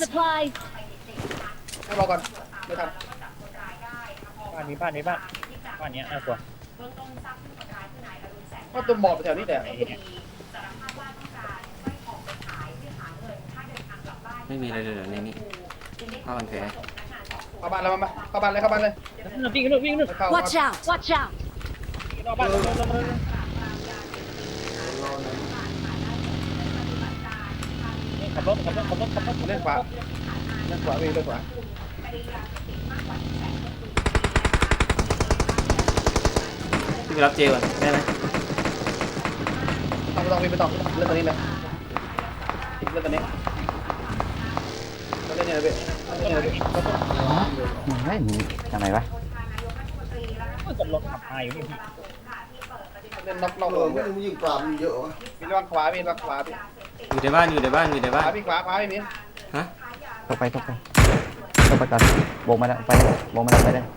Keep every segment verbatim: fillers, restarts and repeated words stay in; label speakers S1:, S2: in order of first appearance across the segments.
S1: supplies.
S2: ให้รอก่อนไม่ทัน
S3: บ้านนี้บ้านนี้บ้านบ้านเนี้ยน่ากลัว
S2: ก็ตัวหมอบแถวนี้แหละ
S3: ไอ้เนี่ย
S4: ไม่มีอะไรเลยเหรอในนี้ผ้าพันแผล
S2: เข้าบ้านแล้วมาเข้าบ้านเลยเข้าบ้านเลย
S3: วิ่งขึ้นวิ่งขึ้น
S2: เข้า
S1: Watch out! Watch out!
S3: รอบบ้านรอบบ้านรอบบ้าน
S5: รอหน่อย
S3: ขับรถขับรถขับรถขับรถ
S2: เล่นขวาเล่นขวาวิ่งเล่นขวา
S4: พี่ไปรับเจก่อนได้ไหม
S2: ต้องต้องวิ่งไปต่อเล่นตัวนี้เลยเล่นตัวนี้เล่นเนี่ยเลยเล่นเนี่ยเลย
S6: เฮ้ยมึงทำไมวะ
S3: กับรถขับมาอยู่นี่พี่
S2: เล่นน็อกน็อก
S5: เออไม่รู้ยิงปลามันเยอะวะ
S2: มีระวังขวามีระวังขวาพี่
S4: อยู่ในบ้านอยู่ในบ้านอยู่ใน
S2: ข
S4: บ้าน
S2: วาพี่ขวาขวาพี่มี
S4: ฮะ
S6: ตกไปตกไปตกไปก่อนโบกมาแล้วไปเลยโบกมาแล้วไปเลย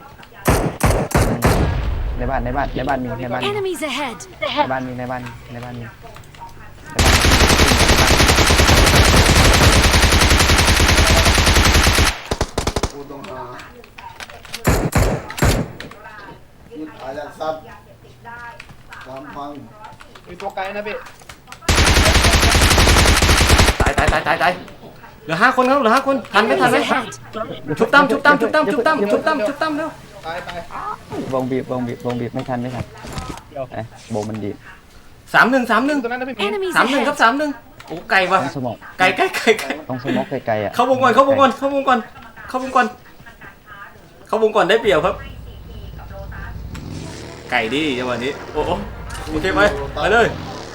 S6: ในบ้านในบ้านในบ้านมีในบ้านมี
S1: Enemies ahead!
S6: ในบ้านมีในบ้านในบ้านมี
S5: กูต้องหายิงอายัดซับสามพัน
S2: มีตัวไกลนะพี่
S4: ตายตายตายตายตายเหลือห้าคนครับเหลือห้าคนทันไหมทัน
S1: Enemies
S4: ไหม
S1: ahead!
S4: ชุบตั้มชุบตั้มชุบตั้มชุบตั้มชุบตั้มชุบตั้มเร็ว
S2: ตายตายว
S6: งบีบวงบีบวงบีบไม่ทันไม่ทัน
S3: เดี๋ยว
S6: เอ้ยโบมันดีบ
S4: สามหนึ่งสามหนึ่ง
S2: ตัวนั้นนะพี่มี
S1: Enemies
S4: สามหนึ่งครับ
S1: ahead!
S4: สามหนึ่งโอ้ไก่ว่ะ
S6: ต้องสมอง
S4: ไก่ไก่ไก่ไก่
S6: ต้องสมองไกลๆอ่ะ
S4: เข้าวงก่อนเข้าวงก่อนเข้าวงก่อนเข้าวงก่อนเข้าวงก่อนได้เปรียบครับ ไก่ดีจังหวะนี้โอ้โหโอเคไปไปเลย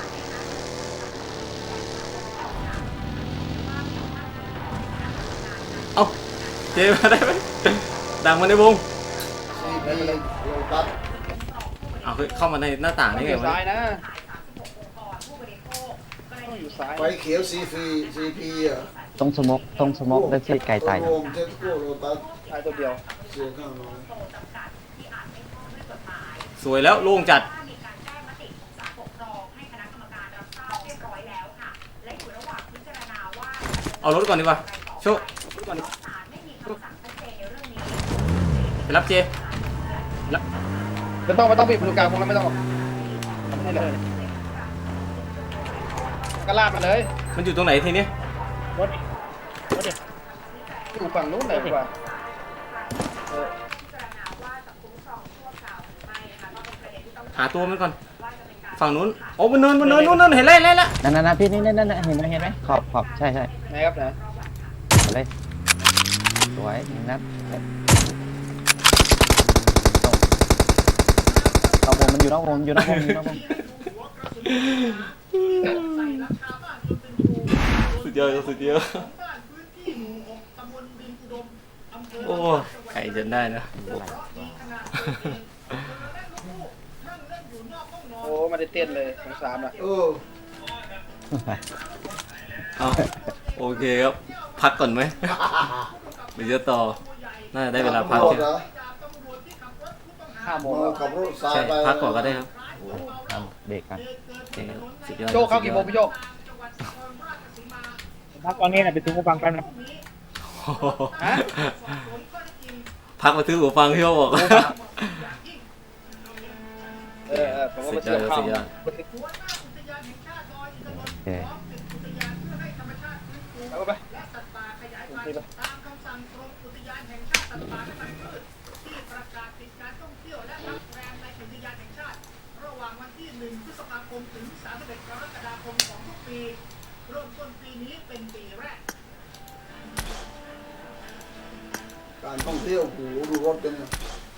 S4: เอาเจมาได้ไหมดังมาในวง
S5: ซีพีโลตัส
S4: เอาเฮ้ยเข้ามาในหน้าต่าง
S2: ต้อ
S4: ได้
S2: งอ
S4: ไง
S2: ยู่
S4: วะ
S2: ซ้าย
S4: เนี่ย
S2: นะต้องอยู่ซ้าย
S5: ไฟเขียวซีพีซีพีอ่ะ
S6: ต้องสมองต้องสมองได้ที่ไกลตาย
S5: โรมเทสโก้โลตัส
S2: ซ้ายตัวเดียว
S5: เสียข้างน้อย
S4: สวยแล้วโล่งจัดเอารถก่อนดีกว่าโชคไปรับเจ
S2: ไม่ต้องไม่ต้องพี่ดูกลางพวกนั้นไม่ต้องไม่เลยก็ลาดมาเลย
S4: มันอยู่ตรงไหนทีนี้
S3: รถรถเด็ก
S2: อยู่ฝั่งนู้นเลยดีกว่าเออ
S4: หาตัวมันก่อนฝั่งนู้นโอ้บนเนินบนเนินนู้นนั่นเห็นแล้วเห็นแล้ว
S6: นั่นนั่นพี่นี่นั่นนั่นเห็นไหมเห็นไหมขอบขอบใช่ใช่
S2: ไหนครับไหน
S6: เลยสวยนัดนอกวงมันอยู่นอกวงอยู่นอกวงอยู่นอกวง
S4: สุดยอดสุดยอดโอ้ไก่จนได้นะ
S2: โอ้มาได้เต้นเลยสงสารอ่ะ
S5: เออ
S4: เอาโอเคครับพักก่อนไหมเดี๋ยวจะต่อน่าจะได้เวลาพัก
S5: รถ
S4: ใช่ไหม
S5: เหรอ
S2: ห้าโมง
S5: เมา
S2: แล้ว
S5: กับรถสาย
S4: ใช่
S5: ไป
S4: พักก่อนก็ได้ครับ
S6: เอาเบรกกัน
S4: โอเคครับสุดยอด
S2: โจกเข้ากี่โมงพี่โจก
S3: พักตอนนี้นะไปถึงกูฟังกันนะ
S4: พักมาซื้อหูฟังที่เขาบอก
S2: เออเออผมก็มาเชื่อข้าว
S4: สุดยอด
S6: โอเค
S2: เอาไปไปไป
S5: การท่องเที่ยวโอ้โหดูรถกันเนี่ย